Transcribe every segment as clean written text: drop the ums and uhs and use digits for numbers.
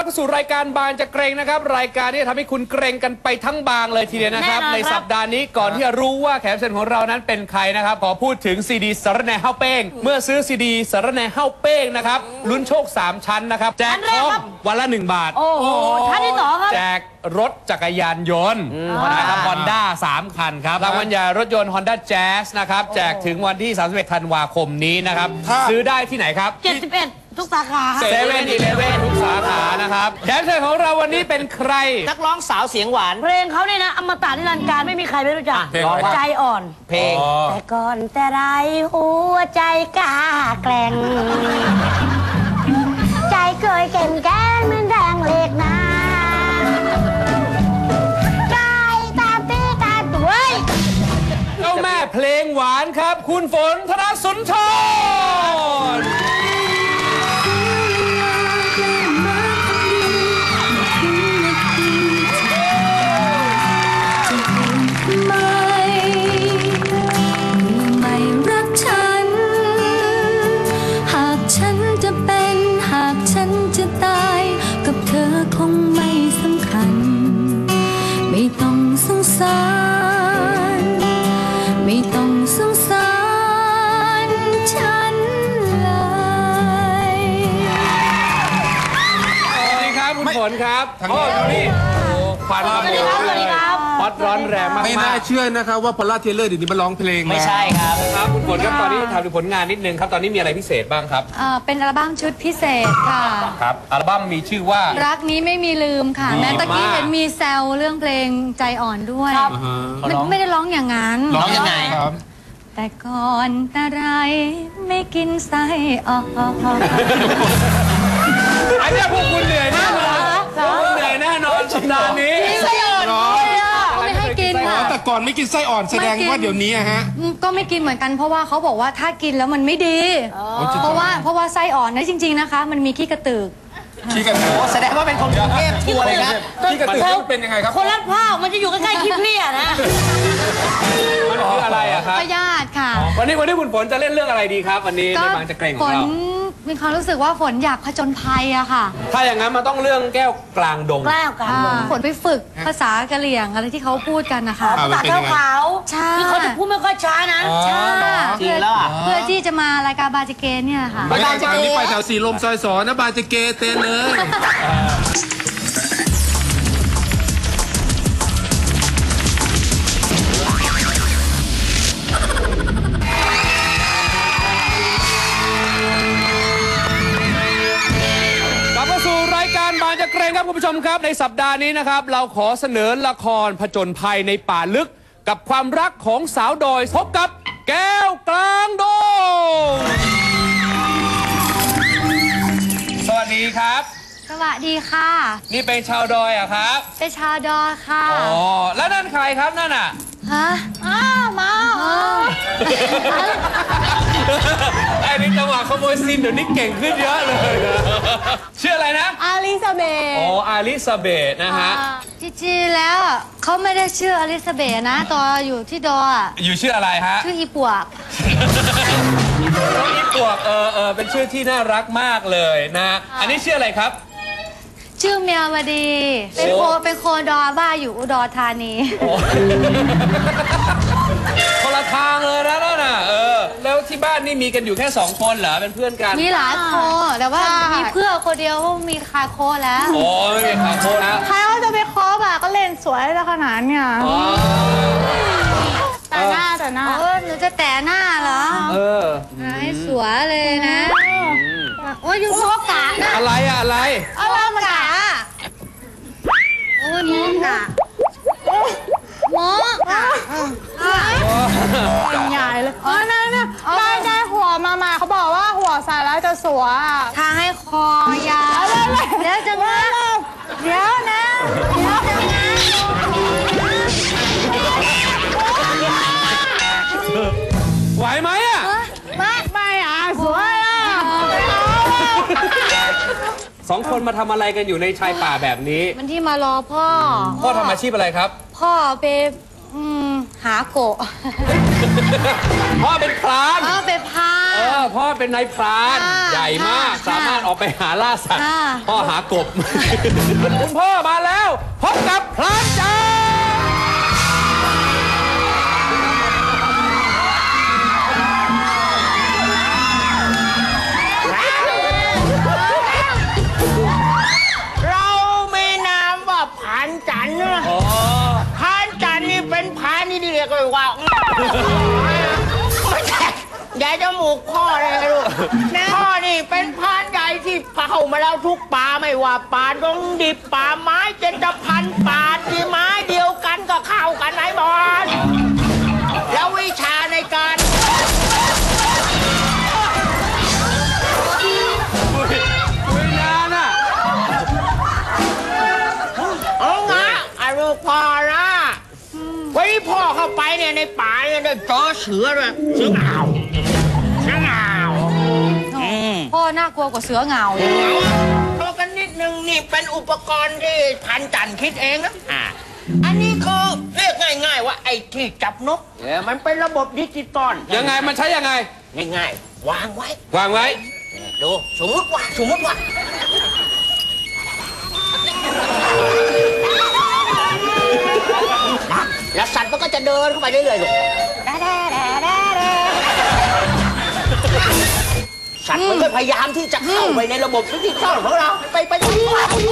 เข้าสู่รายการบางจะเกรงนะครับรายการที่จะทำให้คุณเกรงกันไปทั้งบางเลยทีเดียวนะครับในสัปดาห์นี้ก่อนที่จะรู้ว่าแขกรับเชิญของเรานั้นเป็นใครนะครับขอพูดถึงซีดีสารแหน่เฮ้าเป้งเมื่อซื้อซีดีสารแหน่เฮ้าเป้งนะครับลุ้นโชค3ชั้นนะครับแจกทองวันละ1 บาทโอ้โหท่านที่2ครับแจกรถจักรยานยนต์นะครับฮอนด้า3 คันครับรางวัลใหญ่รถยนต์ Honda Jazz นะครับแจกถึงวันที่31 ธันวาคมนี้นะครับซื้อได้ที่ไหนครับ 71 ทุกสาขา 7-11ทุกสาขานะครับแขกรับเชิญของเราวันนี้เป็นใครนักร้องสาวเสียงหวานเพลงเขาเนี่ยนะอมตะนิรันดร์การไม่มีใครไม่รู้จักใจอ่อนเพลงแต่ก่อนแต่ไรหัวใจกล้าแกร่งใจเคยเก่งแก้มเหมือนแดงเหล็กนะใจตามตีตามตัวเจ้าแม่เพลงหวานครับคุณฝนธนสุนทรไม่ต้องสงสารฉันเลยสวัสดีครับคุณฝนครับโอ้ดูนี่ควันมาเลยฮอตร้อนแรงมากไม่น่าเชื่อนะครับว่าพอลล่าเทเลอร์เดี๋ยวนี้มาร้องเพลงไม่ใช่ครับครับคุณฝนครับตอนนี้ถามถึงผลงานนิดนึงครับตอนนี้มีอะไรพิเศษบ้างครับเป็นอัลบั้มชุดพิเศษค่ะครับอัลบั้มมีชื่อว่ารักนี้ไม่มีลืมค่ะแม้ตะกี้เห็นมีแซวเรื่องเพลงใจอ่อนด้วยไม่ได้ร้องอย่างนั้นร้องยังไงครับแต่ก่อนแต่ไรไม่กินไส้อ่อนอันนี้พวกคุณเหนื่อยแน่นอนเหนื่อยแน่นอนสัปดาห์นี้ไส้อ่อนไม่ให้กินค่ะแต่ก่อนไม่กินไส้อ่อนแสดงว่าเดี๋ยวนี้ฮะก็ไม่กินเหมือนกันเพราะว่าเขาบอกว่าถ้ากินแล้วมันไม่ดีเพราะว่าไส้อ่อนนะจริงๆนะคะมันมีขี้กระตือกแสดงว่าเป็นคนกรุงเทพทัวร์เลยนะขี้กระตือกเป็นยังไงครับคนรัดผ้ามันจะอยู่ใกล้ๆขี้เพี้ยนะมันคืออะไรอะครับพยาธิค่ะวันนี้คุณฝนจะเล่นเรื่องอะไรดีครับวันนี้ในบางจะเกรงของเรามีความรู้สึกว่าฝนอยากผจญภัยอะค่ะถ้าอย่างนั้นมันต้องเรื่องแก้วกลางดงฝนไปฝึกภาษากะเหรี่ยงอะไรที่เขาพูดกันนะคะภาษาขาวใช่ที่เขาจะพูดไม่ค่อยช้านะใช่จริงแล้วเพื่อที่จะมารายการบาจิเกเนี่ยค่ะบาจิเกนี่ไปแถวสีลมซอยสอนนะบาจิเกเต้นเลยบางจะเกรงครับคุณผู้ชมครับในสัปดาห์นี้นะครับเราขอเสนอละครผจญภัยในป่าลึกกับความรักของสาวดอยพบกับแก้วกลางดงสวัสดีครับสวัสดีค่ะนี่เป็นชาวดอยอะครับเป็นชาวดอยค่ะอ๋อแล้วนั่นใครครับนั่นอะฮะมาไอ้นี่จังหวะขโมยซีนเดี๋ยวนี้เก่งขึ้นเยอะเลยชื่ออะไรนะอลิซาเบธอ๋ออลิซาเบธนะฮะจริงๆแล้วเขาไม่ได้ชื่ออลิซาเบธนะตอนอยู่ที่ดอยอยู่ชื่ออะไรฮะชื่ออีปวกน้องอีปวกเป็นชื่อที่น่ารักมากเลยนะอันนี้ชื่ออะไรครับชื่อเมียวดีเป็นโคดอบ้าอยู่อุดรธานีคนละทางเลยนะนั่นน่ะแล้วที่บ้านนี่มีกันอยู่แค่2 คนเหรอเป็นเพื่อนกันมีหลายโคแต่ว่ามีเพื่อนคนเดียวมีคาโคแล้วโอ้ไม่มีคาโคแล้วใครว่าจะไปคอแบบก็เล่นสวยแล้วขนาดเนี่ยแต่หน้าหนูจะแต่หน้าเหรอให้สวยเลยนะโอ้ยอยู่โซกะอะไรอะไรมากะโอ้ยมอกะเป็นใหญ่เลยนั่นได้หัวมาเขาบอกว่าหัวใส่แล้วจะสวยทางให้คอยาวเดี๋ยวจะนะเดี๋ยวนะไหวไหมอะไม่สวย 2 คนมาทำอะไรกันอยู่ในชายป่าแบบนี้มันที่มารอพ่อทำอาชีพอะไรครับพ่อไปหาโกะพ่อเป็นพรานเป็นพาพ่อเป็นนายพรานค่ะใหญ่มากค่ะสามารถออกไปหาล่าสัตว์ค่ะพ่อหากบ คุณพ่อมาแล้วพบกับพรานจ๋าเรามีนามว่าผานจันทร์นะผานจันทร์นี่เป็นผานนี่เรียกว่า ไม่ใช่ใหญ่จมูกพ่อเลยนะลูกพ่อนี่เป็นผานใหญ่ที่เข้ามาแล้วทุกป่าไม่ว่าป่าดงดิบป่าไม้เจนพันป่าที่ไม้เดียวกันก็เข้ากันไหนบอลแล้ววิชาในการคุยนานอ่ะเอางะอาลูกพ่อนะวันนี้พ่อเข้าไปเนี่ยในป่าเนี่ยได้เจอเสือด้วยเสือเหงาเสือเหงาพ่อน่ากลัวกว่าเสือเหงาเลยตัวกันนิดนึงนี่เป็นอุปกรณ์ที่พันจันคิดเองนะอันนี้คือเรียกง่ายๆว่าไอ้ที่จับนกเนี่ยมันเป็นระบบดิจิตอลยังไงมันใช้ยังไงง่ายๆวางไว้วางไว้ดูสมมติว่าแล้วสัตว์มันก็จะเดินเข้าไปเรื่อยๆลูกสัตว์มันก็พยายามที่จะเข้าไปในระบบดิจิตอลของเราไปตรงนี้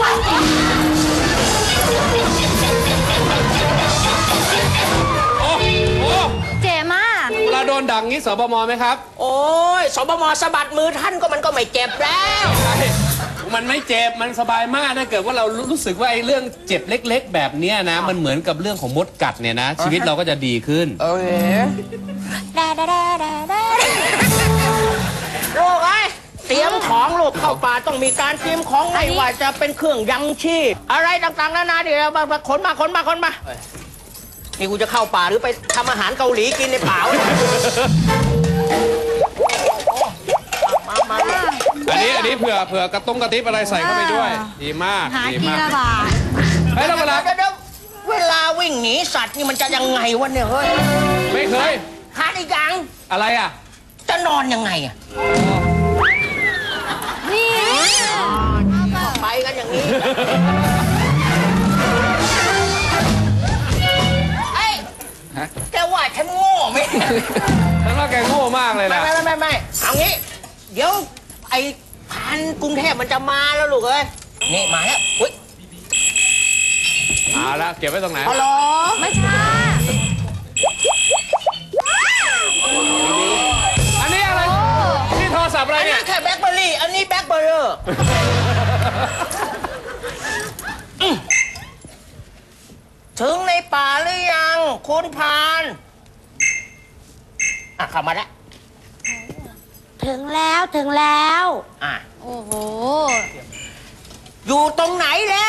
โอ้โหเจ๋มากเวลาโดนดังนี้สบมไหมครับโอ้ยสบมสะบัดมือท่านก็มันก็ไม่เจ็บแล้วมันไม่เจ็บ มันสบายมากถ้าเกิดว่าเรารู้สึกว่าไอ้เรื่องเจ็บเล็กๆ แบบเนี้ยนะ มันเหมือนกับเรื่องของมดกัดเนี่ยนะ ชีวิตเราก็จะดีขึ้นลูกไอ้เตรียมของลูกเข้าป่าต้องมีการเตรียมของไม่ว่าจะเป็นเครื่องยังชีพอะไรต่างๆนานาเดี๋ยวมาขนมานี่กูจะเข้าป่าหรือไปทำอาหารเกาหลีกินในป่าวะมาอันนี้เผื่อกระตุ้งกระติบอะไรใส่เข้าไปด้วย ดีมากหาดีทีมากละบาทเฮ้ยแล้วเวลาเดี๋ยวเวลาวิ่งหนีสัตว์นี่มันจะยังไงวะเนี่ยเฮ้ยไม่เคยหาอีกอย่างอะไรอ่ะจะนอนยังไงอะนี่ไปกันอย่างนี้เอ้ยแกว่าฉันโง่ไหมฉันว่าแกโง่มากเลยนะไม่เอางี้ เดี๋ยวไอ้พันกรุงเทพมันจะมาแล้วลูกเอ้ยนี่มาแล้วอุ้ยเอาละเก็บไว้ตรงไหนฮัลโหลไม่ใช่อันนี้อะไร นี่โทรศัพท์อะไรอันเนี่นี้ยแค่แบล็คเบอร์รี่อันนี้แบล็คเบอร์เรอร์ถึงในป่าหรือยังคุณพานเข้ามาแล้วถึงแล้วถึงแล้วโอ้โหอยู่ตรงไหนแล้ว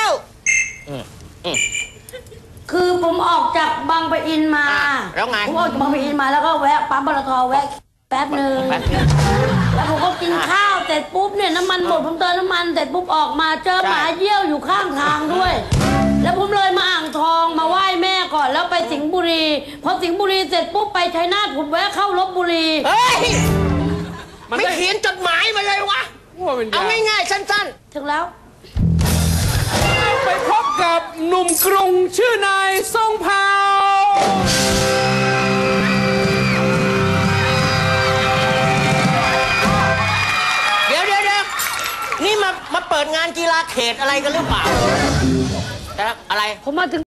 คือผมออกจากบางปะอินมาแล้วไงผมออกจากบางปะอินมาแล้วก็แวะปั๊มปตทแวะแป๊บหนึ่งแล้วผมก็กินข้าวเสร็จปุ๊บเนี่ยน้ำมันหมดผมเติมน้ำมันเสร็จปุ๊บออกมาเจอหมาเยี่ยวอยู่ข้างทางด้วย แล้วผมเลยมาอ่างทองมาไหว้แม่ก่อนแล้วไปสิงห์บุรีพอสิงห์บุรีเสร็จปุ๊บไปชัยนาทผมแวะเข้าลพบุรีเฮ้ยมันไม่ได้เขียนจดหมายมาเลยวะว่าเป็นเอายาง่ายๆสั้นถึงแล้วไปพบกับหนุ่มกรุงชื่อนายทรงเผ่าๆ เดี๋ยวนี่มาเปิดงานกีฬาเขตอะไรกันหรือเปล่าอะไรผมมาถึง